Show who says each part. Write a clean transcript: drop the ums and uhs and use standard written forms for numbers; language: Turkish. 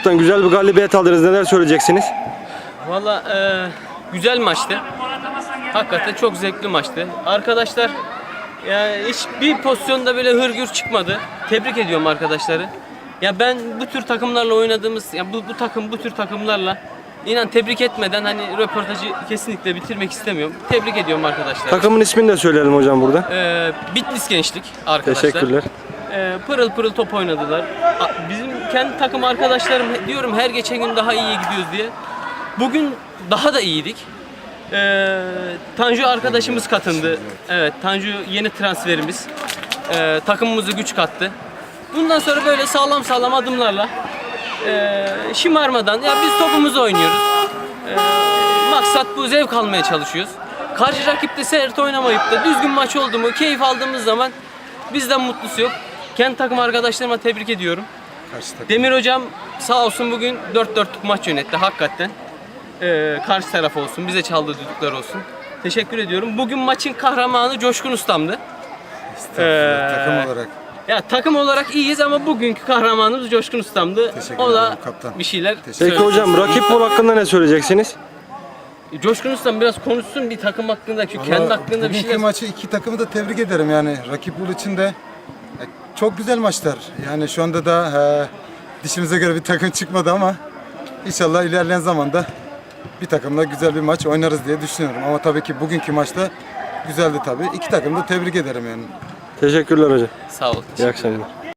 Speaker 1: Kaptan, güzel bir galibiyet aldınız. Neler söyleyeceksiniz?
Speaker 2: Valla güzel maçtı. Hakikaten çok zevkli maçtı. Arkadaşlar yani hiçbir pozisyonda böyle hırgür çıkmadı. Tebrik ediyorum arkadaşları. Ya ben bu tür takımlarla oynadığımız, ya bu takım bu tür takımlarla inan tebrik etmeden hani röportajı kesinlikle bitirmek istemiyorum. Tebrik ediyorum arkadaşlar.
Speaker 1: Takımın ismini de söyleyelim hocam burada.
Speaker 2: Bitlis Gençlik arkadaşlar.
Speaker 1: Teşekkürler.
Speaker 2: Pırıl pırıl top oynadılar. Bizim kendi takım arkadaşlarım diyorum her geçen gün daha iyi gidiyoruz diye. Bugün daha da iyiydik. Tanju arkadaşımız katıldı. Evet, Tanju yeni transferimiz. Takımımıza güç kattı. Bundan sonra böyle sağlam sağlam adımlarla şımarmadan ya biz topumuzu oynuyoruz. Maksat bu, zevk almaya çalışıyoruz. Karşı rakipte sert oynamayıp da düzgün maç oldu mu, keyif aldığımız zaman bizden mutlusu yok. Kendi takım arkadaşlarıma tebrik ediyorum. Demir hocam sağ olsun bugün 4-4'lük maç yönetti hakikaten. Karşı taraf olsun, bize çaldığı düdükler olsun. Teşekkür ediyorum. Bugün maçın kahramanı Coşkun Ustam'dı.
Speaker 3: Takım olarak.
Speaker 2: Ya takım olarak iyiyiz ama bugünkü kahramanımız Coşkun Ustam'dı. O da
Speaker 3: kaptan.
Speaker 2: bir şeyler
Speaker 1: Peki
Speaker 2: söyledi.
Speaker 1: hocam, rakip bol hakkında ne söyleyeceksiniz?
Speaker 2: Coşkun Ustam biraz konuşsun bir takım hakkında, çünkü kendi hakkında bir
Speaker 3: Bugünkü
Speaker 2: şeyler.
Speaker 3: maçı iki takımı da tebrik ederim yani. Rakip Bul için de çok güzel maçlar. Yani şu anda da dişimize göre bir takım çıkmadı ama inşallah ilerleyen zamanda bir takımla güzel bir maç oynarız diye düşünüyorum. Ama tabii ki bugünkü maçta güzeldi tabii. İki takımı da tebrik ederim yani.
Speaker 1: Teşekkürler hocam.
Speaker 2: Sağ ol.
Speaker 1: İyi akşamlar.